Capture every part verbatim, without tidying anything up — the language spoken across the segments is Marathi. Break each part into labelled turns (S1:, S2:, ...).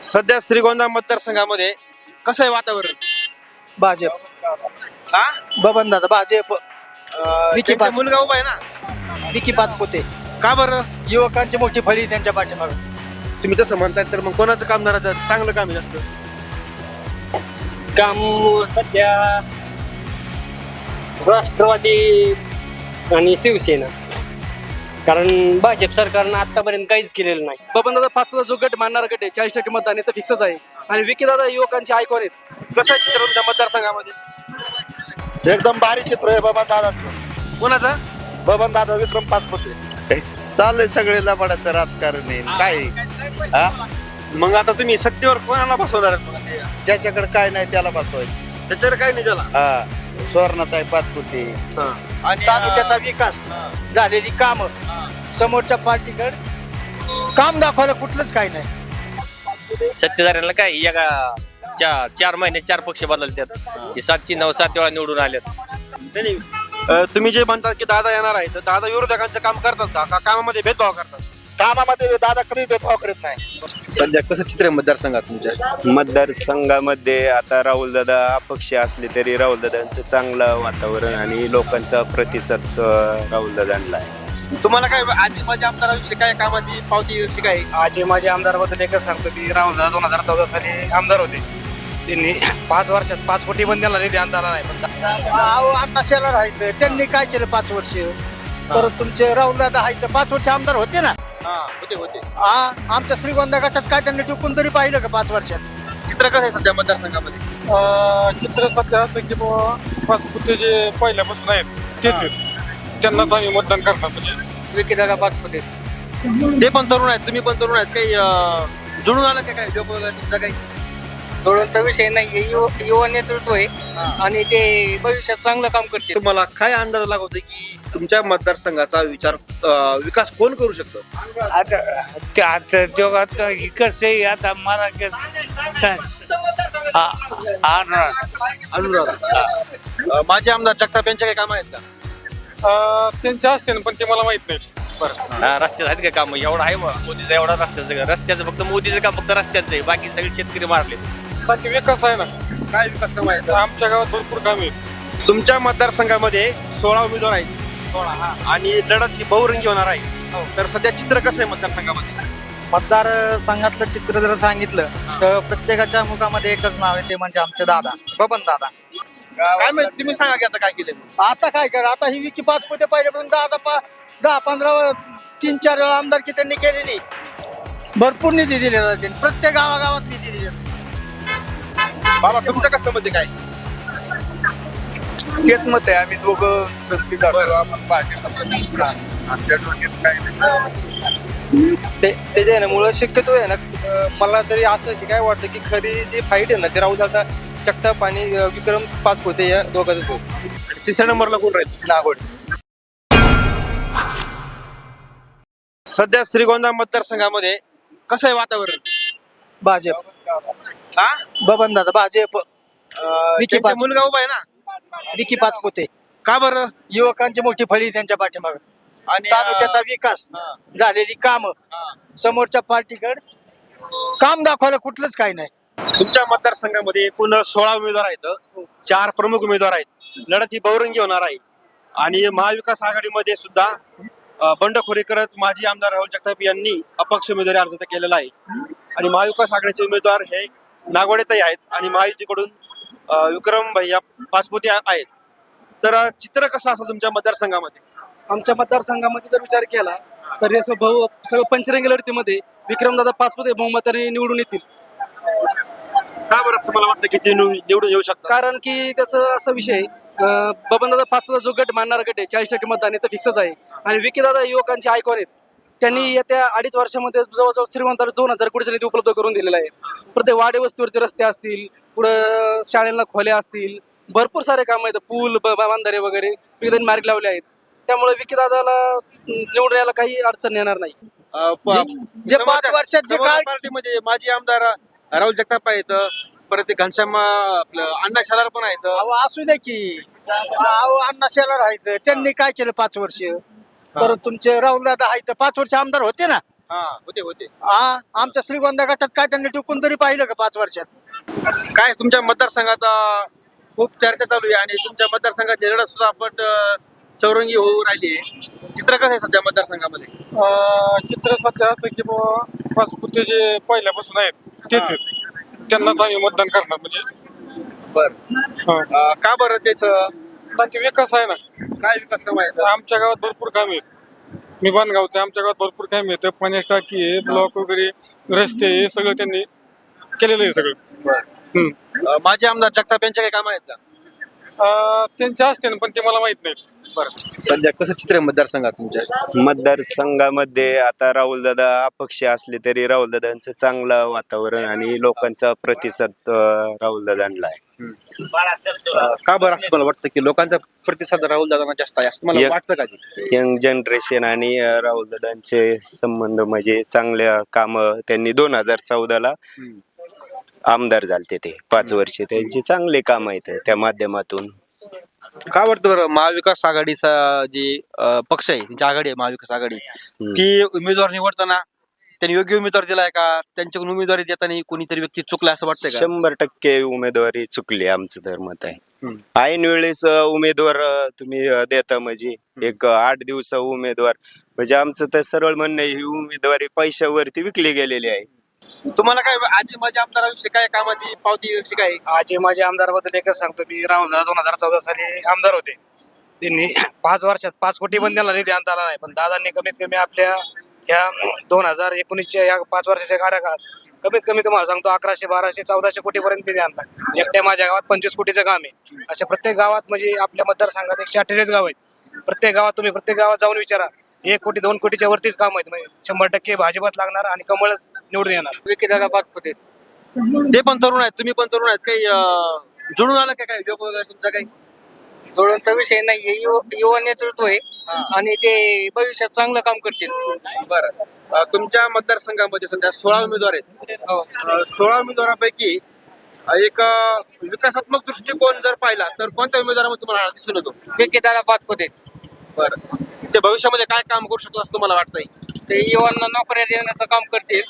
S1: सध्या श्रीगोंदा मतदारसंघामध्ये कसं आहे वातावरण?
S2: भाजप
S1: हा
S2: बबन दादा भाजप
S1: अं,
S2: विकी
S1: त्यांचा
S2: पाच-
S1: मुलगा उभा आहे ना,
S2: विकी पाचपुते
S1: का बरं?
S2: युवकांची मोठी फळी त्यांच्या पाठीमागे.
S1: तुम्ही तसं म्हणताय तर मग कोणाचं कामदाराचं चांगलं काम आहे जास्त?
S3: काम सध्या राष्ट्रवादी आणि शिवसेना, कारण भाजप सरकारनं आतापर्यंत काहीच केलेलं नाही.
S4: बबन दादा पाचचा जो गट मानणारा गट आहे चाळीस टक्के मतदान आहे तर फिक्सच आहे. आणि विकी दादा युवकांचे आयकॉन आहेत.
S1: कसं आहे चित्र तुमच्या मतदारसंघामध्ये?
S5: एकदम भारी चित्र आहे बाबा दादाचं.
S1: कोणाचा?
S5: बबन दादा विक्रम पाचपुते. चाललंय सगळे लबाडाचं राजकारण आहे काय हा?
S1: मग आता तुम्ही सत्तेवर कोणाला बसवणार आहेत? मग ते?
S5: ज्याच्याकडे काय नाही त्याला बसवायचं.
S1: त्याच्यावर काय नाही झाला.
S5: हा स्वर्णताई पाचपुते.
S1: आणि
S2: तालुक्याचा विकास झालेली काम समोरच्या पार्टीकडे काम दाखवायला कुठलंच काही नाही.
S6: सत्तेधाऱ्यांना काय एका चार चार महिने चार पक्ष बदलतात. हे सातची नऊ सात वेळा निवडून आलेत.
S1: नाही, नाही. अं, तुम्ही जे म्हणतात की दादा येणार आहे तर दादा विरोधकांचं काम करतात का? का कामामध्ये भेदभाव करतात?
S5: कामामध्ये दादा कधी भेदभाव करत नाही.
S1: सध्या कसं चित्र आहे मतदारसंघात तुमच्या?
S7: मतदारसंघामध्ये आता राहुलदादा अपक्ष असले तरी राहुलदादांचं चांगलं वातावरण आणि लोकांचा प्रतिसाद अं, राहुलदादांना आहे.
S1: तुम्हाला काय आजी माझ्या आमदाराविषयी काय कामाची पावती विषयी काय?
S4: आजी माझे आमदारबद्दल एकच सांगतो की राहुल दादा दोन हजार चौदा साली आमदार होते. त्यांनी पाच वर्षात पाच कोटी पण त्यांना निधी आणला नाही. पण
S2: अहो अण्णा शेलार आहेत त्यांनी काय केलं पाच वर्ष. परत तुमचे राहुल दादा आहेत पाच वर्ष आमदार होते ना.
S1: हा होते होते.
S2: हा आमच्या श्रीगोंदा गटात काय त्यांनी टिकून तरी पाहिलं का पाच वर्षात?
S1: चित्र कसं आहे सध्या मतदारसंघामध्ये?
S8: चित्र सध्या असं की बाबा पाचपुते जे पहिल्यापासून आहेत तेच आहेत, त्यांनाच आम्ही मतदान करणार. म्हणजे
S3: विकी दादा पाचपुते.
S1: ते पण तरुण आहेत, तुम्ही पण तरुण आहेत. काही अं, जुळून आलं का काय जॉब वगैरे तुमचा काही?
S3: थोडांचा विषय नाही, युवा युवा नेतृत्व आहे आणि ते भविष्यात चांगलं काम करते.
S1: तुम्हाला काय अंदाज लागवतो की तुमच्या मतदारसंघाचा विचार अं, विकास कोण करू शकतो?
S9: आता ते आता जगात कसं आहे आता मला कसं सांग अनुराग
S1: अनुराग अं, माजी आमदार जगताप यांचे काही काम आहेत का?
S8: अं, त्यांचे असते ना, पण ते मला माहित नाही.
S6: हा, रस्त्याचं आहेत का काम? एवढं आहे बा, मोदीचं एवढा रस्त्याचं रस्त्याचं फक्त मोदीचं काम फक्त रस्त्याचं आहे, बाकी सगळे शेतकरी मारले.
S8: बाकी विकास आहे ना,
S1: काय विकास काम आहेत?
S8: आमच्या गावात भरपूर काम आहेत.
S1: तुमच्या मतदारसंघामध्ये सोळा उमेदवार आहेत. सोळा आणि लढत ही बहुरंगी होणार आहे. तर सध्या चित्र कसं आहे मतदारसंघामध्ये?
S2: मतदार संघातलं चित्र जर सांगितलं तर प्रत्येकाच्या मुखामध्ये एकच नाव आहे ते म्हणजे आमचे दादा बबन दादा.
S1: काय माहिती तुम्ही सांगा की आता काय केलं?
S2: आता काय कर आता ही विकी पाचपुते पहिल्यापासून दहा दहा दहा पंधरा तीन चार वेळा आमदारकी त्यांनी केलेली. भरपूर निधी दिलेला त्यांनी प्रत्येक गावागावात निधी दिलेला.
S1: बाबा तुमचं कसं मध्ये काय?
S5: तेच मत आहे. आम्ही दोघं संगतीत असतो. आपण भाजप आमच्या डोक्यात काय नाही.
S4: ते त्याच्या आहे ना मुळे शक्यतो आहे ना अं, मला तरी असं की काय वाटतं की खरी जी फाईट आहे ना ते राहुल दादा जगताप आणि अं, विक्रम पाचपुते या दोघांच होत.
S1: आणि तिसऱ्या नंबरला कोण राहील?
S4: नागोड.
S1: सध्या श्रीगोंदा मतदारसंघामध्ये कसं आहे वातावरण?
S2: भाजप
S1: हा
S2: बबन दादा भाजप
S1: अं,
S2: विकी
S1: त्यांचा
S2: पाच-
S1: मुलगा उभा आहे ना,
S2: विकी पाचपुते
S1: का बरं?
S2: युवकांची मोठी फळी त्यांच्या पाठीमागे.
S1: आणि
S2: तालुक्याचा विकास
S1: हा.
S2: झालेली काम समोरच्या पार्टीकडे काम दाखवायला कुठलंच काही नाही.
S1: तुमच्या मतदारसंघामध्ये एकूण सोळा उमेदवार आहेत. चार प्रमुख उमेदवार आहेत. लढत ही बहुरंगी होणार आहे. आणि महाविकास आघाडीमध्ये सुद्धा अं, बंडखोरी करत माजी आमदार राहुल जगताप यांनी अपक्ष उमेदवारी अर्ज केलेला आहे. आणि महाविकास आघाडीचे उमेदवार हे नागवडेताई आहेत आणि महायुतीकडून अं, विक्रम भैया पाचपुते आहेत. तर अं, चित्र कसं असेल तुमच्या मतदारसंघामध्ये?
S4: आमच्या मतदारसंघामध्ये जर विचार केला तर असं भाऊ सगळं पंचरंगी लढतीमध्ये विक्रमदादा पाचपुते बहुमताने निवडून येतील.
S1: का बरं असं मला वाटतं की ते निवडून निवडून येऊ शकतात?
S4: कारण की त्याचं असा विषय आहे, अं, बबनदादा पाचपुता जो गट मानणारा गट आहे चाळीस टक्के मतदान आहे तर फिक्सच आहे. आणि विकी दादा युवकांचे आयकॉन आहेत. त्यांनी येत्या अडीच वर्षामध्ये जवळजवळ श्रीमंताला दोन हजार कोटीचा निधी उपलब्ध करून दिलेला आहे. प्रत्येक वाडे वस्तीवरचे रस्ते असतील, पुढं शाळेला खोल्या असतील, भरपूर सारे काम आहेत, पूल ब- बांधारे वगैरे विविध मार्ग लावले आहेत. त्यामुळे विकी दादाला निवडून यायला काही अडचण येणार नाही.
S1: अं, प-
S2: जे पाच
S1: समोरच्या-
S2: वर्षात जे
S1: समोरच्या
S2: काय
S1: पार्टीमध्ये माजी आमदार राहुल जगताप आहेत. परत ते घनश्याम अं, आपलं अण्णा शालार पण आहेत.
S2: अहो असू दे की अहो अण्णा शेलार आहेत त्यांनी काय केलं पाच वर्ष. परत तुमचे राहुल दादा आहेत पाच वर्ष आमदार होते ना.
S1: हा होते होते
S2: हा आमच्या श्रीगोंदा गटात काय त्यांनी टिकून तरी पाहिलं का पाच वर्षात?
S1: काय तुमच्या मतदारसंघात अं, खूप चर्चा चालू आहे आणि तुमच्या मतदारसंघाची लढत सुद्धा आपण अं, चौरंगी होऊ राहिली आहे. चित्र कसं आहे सध्या मतदारसंघामध्ये?
S8: अं, चित्र सध्या असं की बाबा पाचपुते जे पहिल्यापासून आहेत तेच आहेत त्यांनाच आम्ही मतदान करणार म्हणजे
S1: बर
S8: हा.
S1: का बरं तेच अं,
S8: पण ते विकास आहे ना
S1: काय विकास काम आहे?
S8: आमच्या गावात भरपूर काम आहेत. मी बांधगावचे आमच्या गावात भरपूर काम आहेत पाण्याची टाकी आहे ब्लॉक वगैरे रस्ते हे सगळं त्यांनी केलेलं आहे सगळं हम्म.
S1: अं, माजी आमदार जगताप यांचे काही काम आहेत का?
S8: अं, त्यांचे असते ना पण ते मला माहित नाही.
S1: बरं सध्या कसं चित्र आहे मतदारसंघात तुमच्या?
S7: मतदारसंघामध्ये आता राहुलदादा अपक्ष असले तरी राहुलदादांचं चांगलं वातावरण आणि लोकांचा प्रतिसाद अं, राहुलदादांना आहे.
S1: अं, का बरं असं मला वाटतं की लोकांचा प्रतिसाद राहुल दादांना जास्त आहे असं मला
S7: या-
S1: वाटतं का? ते?
S7: यंग जनरेशन आणि अं, राहुलदादांचे संबंध म्हणजे चांगल्या कामं त्यांनी दोन हजार चौदाला आमदार झालते ते पाच वर्षे त्यांची चांगले काम आहेत त्या माध्यमातून.
S1: का वाटतं बरं महाविकास आघाडीचा जे अं, पक्ष आहे त्यांची आघाडी आहे महाविकास आघाडी ती उमेदवार निवडताना त्यांनी योग्य उमेदवार दिलाय का? त्यांच्याकडून उमेदवारी देताना कोणीतरी व्यक्ती चुकला असं वाटतंय का?
S7: शंभर टक्के उमेदवारी चुकली आमचं तर मत आहे. ऐन वेळेस अं, उमेदवार अं, तुम्ही अं, देता म्हणजे एक अं, आठ दिवसा उमेदवार म्हणजे आमचं तर सरळ म्हणणं आहे, ही उमेदवारी पैशावरती विकली गेलेली आहे.
S1: तुम्हाला काय आजी माझी आमदाराविषयी काय कामाची पावती विषयी काय?
S10: आजी माझ्या आमदारबद्दल एकच सांगतो मी राहुल दादा दोन हजार चौदा साली आमदार होते. त्यांनी पाच वर्षात पाच कोटी पण त्यांना निधी आणता आला नाही पण दादांनी कमीत कमी आपल्या या दोन हजार एकोणीसच्या या पाच वर्षाच्या कार्यकाळात कमीत कमी तुम्हाला सांगतो अकराशे बाराशे चौदाशे कोटी पर्यंत निधी आणतात. एकट्या माझ्या गावात पंचवीस कोटीचं काम आहे. अशा प्रत्येक गावात म्हणजे आपल्या मतदारसंघात एकशे अठ्ठेचाळीस गाव आहेत. प्रत्येक गावात तुम्ही प्रत्येक गावात जाऊन विचारा एक कोटी दोन कोटीच्या वरतीच काम आहेत. म्हणजे शंभर टक्के भाजपच लागणार आणि कमळच निवडून येणार.
S3: विकेदादा पाचपुते
S1: ते पण तरुण आहेत तुम्ही पण तरुण आहेत काही अं, जुळून आलं का काही योग वगैरे तुमचा काही?
S3: धोरणचा विषय नाहीये युव- युवा नेतृत्व आहे आणि ते भविष्यात चांगलं काम करतील.
S1: बरं अं, तुमच्या मतदारसंघामध्ये सध्या सोळा उमेदवार आहेत.
S3: हो.
S1: अं, सोळा उमेदवारांपैकी एक अं, विकासात्मक दृष्टिकोन जर पाहिला तर कोणत्या उमेदवारामध्ये तुम्हाला दिसून येतो?
S3: विकेदादा पाचपुते
S1: बरं ते भविष्यामध्ये काय काम करू शकतो असं तुम्हाला वाटतंय?
S3: ते युवांना नोकऱ्या देण्याचं काम करतील.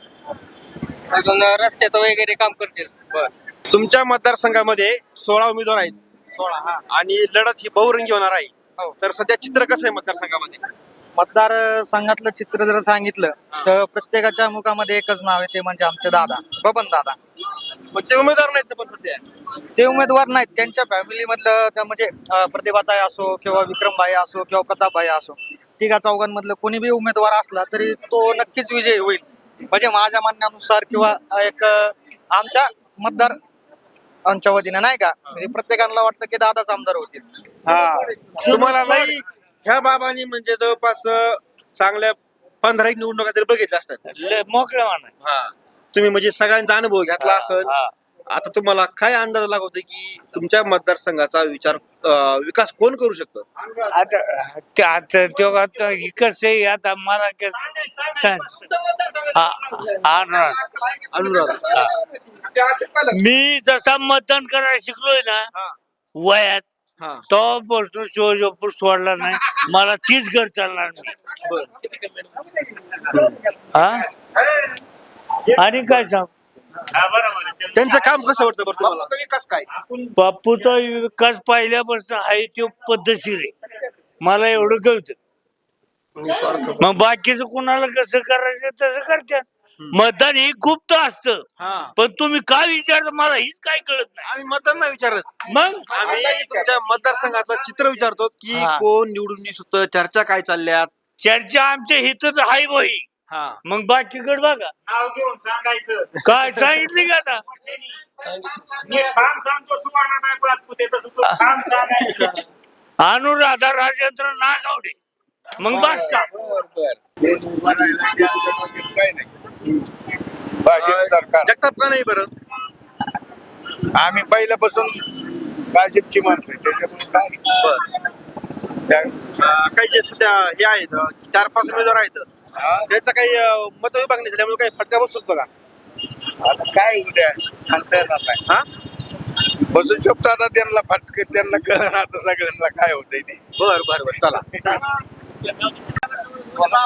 S3: अजून रस्त्याचं वगैरे काम करतील.
S1: बरं तुमच्या मतदारसंघामध्ये सोळा उमेदवार आहेत. सोळा आणि लढत ही बहुरंगी होणार आहे. तर सध्या चित्र कसं आहे मतदारसंघामध्ये?
S2: मतदार संघातलं चित्र जर सांगितलं तर प्रत्येकाच्या मुखामध्ये एकच नाव आहे ते म्हणजे आमचे दादा बबन दादा.
S1: मग ते उमेदवार नाहीत ना पण सध्या?
S2: ते उमेदवार नाहीत त्यांच्या फॅमिली मधलं त्या म्हणजे अं, प्रतिभाताई असो किंवा विक्रमभाई असो किंवा प्रतापभाई असो तिघा चौघांमधलं कोणी बी उमेदवार असला तरी तो नक्कीच विजयी होईल. म्हणजे माझ्या म्हणण्यानुसार किंवा एक अं, आमच्या मतदार आमच्या वतीनं नाही का म्हणजे प्रत्येकाला वाटतं की दादाच आमदार होतील.
S1: हा तुम्हाला नाही ह्या बाबांनी म्हणजे जवळपास अं, चांगल्या पंधरा एक निवडणुका तरी बघितल्या असतात.
S9: मोकळं म्हणा.
S1: हा तुम्ही म्हणजे सगळ्यांचा अनुभव घेतला असेल. आता तुम्हाला काय अंदाज लागवतो की तुमच्या मतदारसंघाचा विचार अं, विकास कोण करू शकतो?
S9: आता ते- आता तो आता हे कसं आहे आता मला कसं सांग आ- अनुराग
S1: अनुराग
S9: मी जसा मतदान करायला शिकलोय ना वयात
S1: हा
S9: तो पासून शिवजोपूर सोडला नाही मला तीच घर चालणार नाही. हा आणि काय सांग
S1: त्यांचं काम कसं वाटतं बरं तुम्हाला? विकास काय?
S9: बापूचा विकास पहिल्यापासून आहे तो पद्धतशीर आहे मला एवढं कळतं. मग बाकीचं कुणाला कसं करायचं तसं करतात. मतदान हे गुप्त असतं
S1: हा
S9: पण तुम्ही काय विचारता मला हीच काय कळत नाही.
S1: आम्ही मतदान नाही विचारत.
S9: मग
S1: आम्ही तुमच्या मतदारसंघाचं चित्र विचारतो की
S9: हा.
S1: कोण निवडून येऊ शकतं, चर्चा काय चालल्यात.
S9: चर्चा आमच्या हितच आहे बही.
S1: हा
S9: मग बाकीकडे बघा
S10: नाव घेऊन सांगायचं.
S9: काय सांगितली का आता
S10: मी ठाम सांगतो सुवर्ण नाही पाचपुते तसं तू ठाम सांगायचं.
S9: अनुराधा राजेंद्र नागावडे मग बस का
S5: कोण उभा राहिला की आमच्या डोक्यात काही नाही. भाजप सरकार
S1: जगताप का नाही बरं?
S5: आम्ही पहिल्यापासून भाजपची माणसं आहे त्याच्यामुळे काय त्या-
S1: अं, काही जे सध्या हे आहेत अं, चार पाच उमेदवार आहेत
S5: हा?
S1: त्याचा काही अं, मतविभाग झाल्यामुळे काही फटका बसू शकतो का?
S5: आता काय उद्या सांगता येणार नाही.
S1: हा
S5: बसू शकतो आता त्यांना फटके त्यांना कळणार आता सगळ्यांना काय होतंय ते.
S1: बर बर बर चला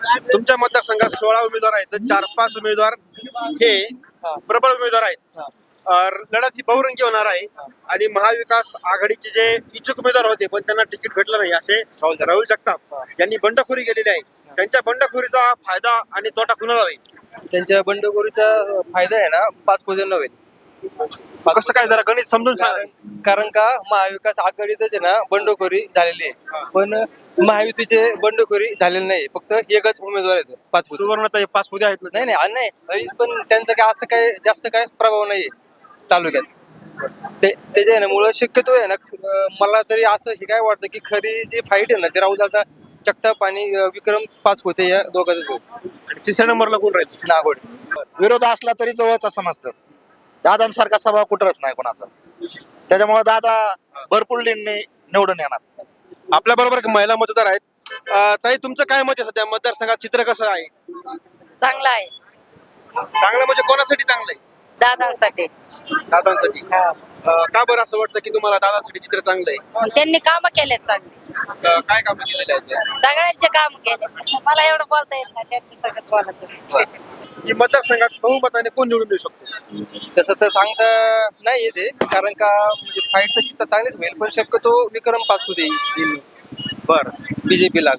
S1: तुमच्या मतदारसंघात सोळा उमेदवार आहेत तर चार पाच उमेदवार हे प्रबळ उमेदवार आहेत. अं, लढत ही बहुरंगी होणार आहे आणि महाविकास आघाडीचे जे इच्छुक उमेदवार होते पण त्यांना तिकीट भेटलं नाही असे राहुल जगताप यांनी बंडखोरी केलेली आहे. त्यांच्या बंडखोरीचा फायदा आणि तोटा कुणाला होईल?
S3: त्यांच्या बंडखोरीचा फायदा आहे ना पाच पोजन होईल.
S1: कसं काय जरा गणित समजून सांगा.
S3: कारण का महाविकास आघाडीतच आहे ना बंडखोरी झालेली आहे, पण महायुतीचे बंडखोरी झालेली नाही. फक्त एकच उमेदवार आहेत पाच पोते.
S1: सुवर्णता पाच पुढे आहेत ना.
S3: नाही नाही नाही नाही, पण त्यांचा काय असं काय जास्त काय प्रभाव नाही तालुक्यात. ते त्याच्यामुळं शक्यतो आहे ना अं, मला तरी असं हे काय वाटतं की खरी जी फाईट आहे ना ते राहुल दादा जगताप आणि अं, विक्रम पाच होते या दोघांच होईल.
S1: आणि तिसऱ्या नंबरला कोण राहील?
S3: नागोड.
S2: विरोध असला तरी जवळचा समजतात. दादांसारखा स्वभाव कुठरत नाही कोणाचा, त्याच्यामुळे दादा भरपूर लीडने निवडून येणार.
S1: आपल्या बरोबर एक महिला मतदार आहेत. अं, ताई तुमचं काय मत आहे सध्या मतदारसंघात चित्र कसं आहे?
S11: चांगला आहे
S1: चांगलं म्हणजे कोणासाठी चांगलं आहे?
S11: दादांसाठी.
S1: दादांसाठी. अं, का बरं असं वाटतं की तुम्हाला दादांसाठी चित्र चांगलं आहे?
S11: त्यांनी काम केलेत चांगली,
S1: अं, काय काम केलेले आहेत?
S11: सगळ्यांचे काम केले. मला एवढं बोलता येत नाही, त्यांचे सगळं बोलत तुम्ही.
S1: की मतदारसंघात बहुमताने कोण निवडून देऊ शकतो?
S3: तसं तर सांगता नाही येते, कारण का म्हणजे फाईट तशी चा- चांगलीच होईल, पण शक्यतो विक्रम पाचपुते येईल
S1: बरं.
S3: बीजेपीला.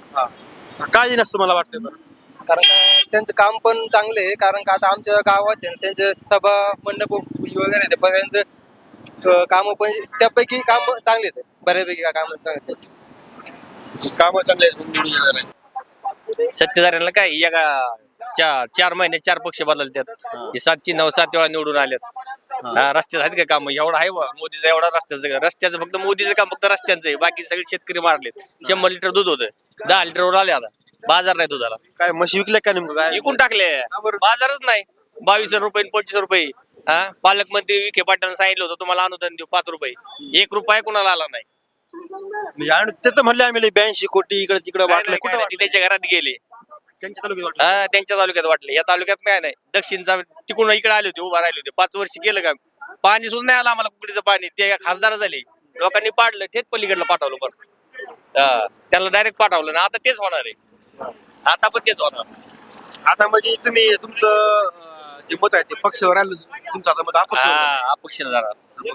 S1: काय नसतं मला वाटतं बरं.
S3: कारण का त्यांचं काम पण चांगलं आहे. कारण का आता आमच्या गावात आहे ना, त्यांचे सभा मंडप वगैरे आहेत, पण त्यांचं काम पण त्यापैकी काम चांगले आहेत, बऱ्यापैकी काम चांगले आहेत त्याचे.
S1: कामं चांगले आहेत म्हणून निवडून येणार आहे.
S6: सत्तेधाऱ्यांना काय एका चार चार महिने चार पक्ष बदलतात. हे सातची नऊ सात वेळा निवडून आलेत. हा, रस्त्यात आहेत का काम? एवढा आहे बा मोदीचा, एवढा रस्त्याचं रस्त्याचं फक्त मोदीचं काम फक्त रस्त्यांचं आहे. बाकी सगळे शेतकरी मारलेत. शंभर लिटर दूध होतं, दहा लिटरवर आले आता. बाजार नाही दुधाला,
S1: काय म्हशी विकल्या का नेमकं काय?
S6: विकून टाकले. बाजारच नाही. बावीस रुपये आणि पंचवीस रुपये. हा, पालकमंत्री विखे पाटलांनी सांगितलं होतं तुम्हाला अनुदान देऊ पाच रुपये, एक रुपया कुणाला आला नाही.
S1: म्हणजे आणि ते तर म्हणले आम्ही ब्याऐंशी कोटी इकडे तिकडे
S6: काय
S1: वाटले.
S6: नाही,
S1: कुठे
S6: काय नाही,
S1: वाटले?
S6: ते त्याच्या घरात गेले.
S1: त्यांच्या तालुक्यात वाटले.
S6: हा, त्यांच्या तालुक्यात वाटले. या तालुक्यात काय नाही. दक्षिणचा तिकडून इकडे आले होते, उभा राहिले होते. पाच वर्ष गेलं का पाणी सुद्धा नाही आलं आम्हाला कुकडीचं पाणी. ते खासदार झाले, लोकांनी पाडलं, थेट पलीकडलं पाठवलं. बरं, हा, त्याला डायरेक्ट पाठवलं ना. आता तेच होणार आहे. आता पण तेच होणार.
S1: आता म्हणजे तुम्ही तुमचं अं, जे मत आहे ते पक्षावर आलं तुमचं आता मत अपक्ष होणार.
S6: हा, अपक्ष जाणार.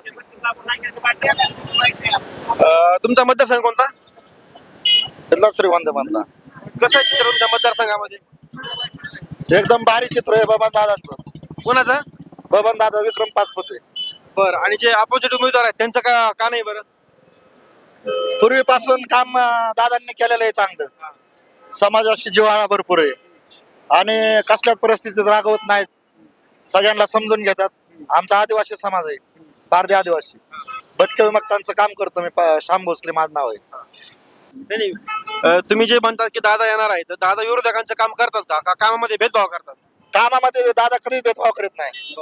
S1: अं, तुमचा मतदारसंघ कोणता?
S2: तिथला श्रीवंत मधला
S1: कसं आहे चित्र तुमच्या मतदारसंघामध्ये?
S2: एकदम भारी चित्र आहे बबन दादांचं.
S1: कोणाचं?
S2: बबन दादा विक्रम पाचपुते.
S1: बरं. आणि जे अपोजिट उमेदवार आहेत त्यांचं का का नाही बरं?
S2: पूर्वीपासून काम अं, दादांनी केलेलं आहे चांगलं. समाजाशी जिव्हाळा भरपूर आहे आणि कसल्याच परिस्थितीत रागवत नाहीत. सगळ्यांना समजून घेतात. आमचा आदिवासी समाज आहे, पारधी आदिवासी. भटक्या विमुक्तांचं काम करतो मी. प- श्याम भोसले माझं नाव आहे.
S1: नाही नाही. अं, तुम्ही जे म्हणतात की दादा येणार आहे तर दादा विरोधकांचं काम करतात का? का कामामध्ये भेदभाव करतात?
S2: कामामध्ये दादा कधीच भेदभाव करीत नाही.